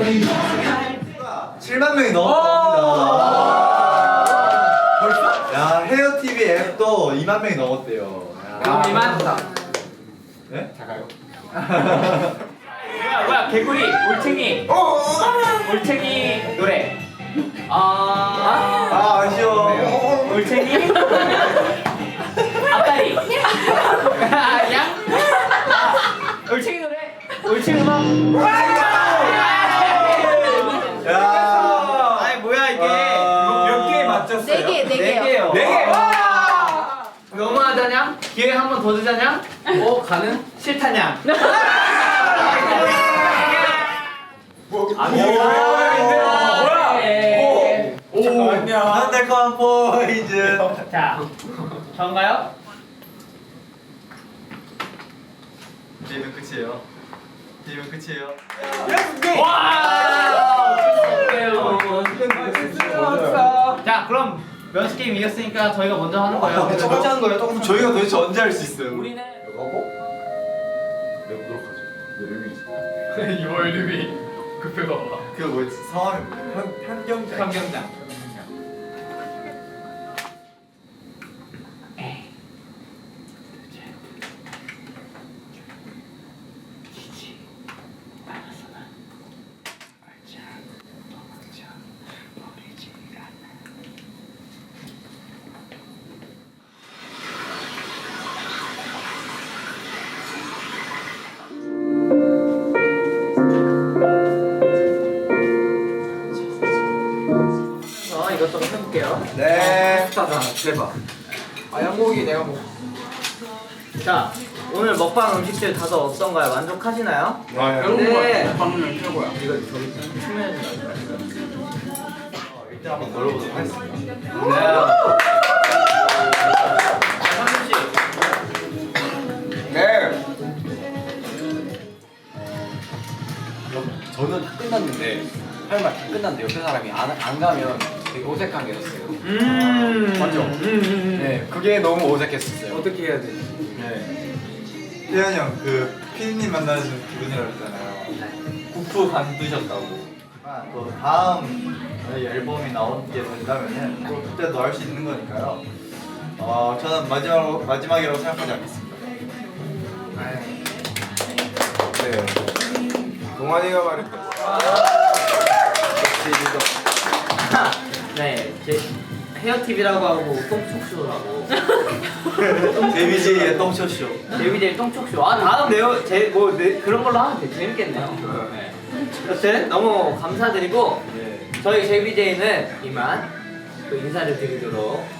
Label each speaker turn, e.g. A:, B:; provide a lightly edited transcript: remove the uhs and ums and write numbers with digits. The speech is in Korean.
A: 7만 명이 넘었습니다. 야, 헤어TV 앱도 2만 명이 넘었대요.
B: 그럼 이만.
A: 네?
B: 작아요. 뭐야 개구리 올챙이 올챙이 노래.
A: 아쉬워.
B: 올챙이 앞다리 양 올챙이 노래 올챙이 음악.
A: 야,
B: 아니 뭐야 이게
C: 몇 개 맞췄어요?
D: 네 개요.
B: 네 개. 너무하다냐? 기회 한 번 더 주자냐? 가는? 싫다냐?
A: 난 달콤한 포이즌.
B: 자, 전가요?
A: 게임은 끝이에요. 게임은 끝이에요.
B: 자, 그럼 면식 게임 이겼으니까 저희가 먼저 하는 거예요.
A: 첫 번째 하는 거예요? 조금 저희가 도대체 언제 할 수 있어요?
B: 우리는
C: 월드비 급해 봐봐.
A: 그 뭐였지? 성함이 현경장.
C: 환경장.
B: 이것저것 해볼게요.
A: 네.
C: 대박. 양고기 내가 먹.
B: 자, 오늘 먹방 음식들 다들 어떤가요? 만족하시나요?
C: 네. 방금 최고야.
B: 이거 저기 측면에서
A: 일단 한번 놀아보도록 하겠습니다.
C: 네.
E: 저는 다 끝났는데 할 말 다 끝났는데 옆에 사람이 안 가면 되게 어색한 게 있었어요. 맞죠? 네, 그게 너무 어색했었어요.
C: 어떻게 해야 되지?
E: 네.
A: 태현이 형, 그 피디님 만나는 기분이라고 했잖아요. 국부 관두셨다고. 또 다음 저희 앨범이 나오게 된다면은 또 그때도 할 수 있는 거니까요. 저는 마지막이라고 생각하지 않겠습니다.
C: 네. 동환이가 말했던.
B: 네, 제 헤어TV라고 하고 똥촉쇼라고
A: 데뷔제이의 똥쇼쇼.
B: 데뷔데이 똥촉쇼. 다음 그런 걸로 하면 되게 재밌겠네요. 네. 여튼 너무 감사드리고
A: 네.
B: 저희 제비제이는 이만 또 인사를 드리도록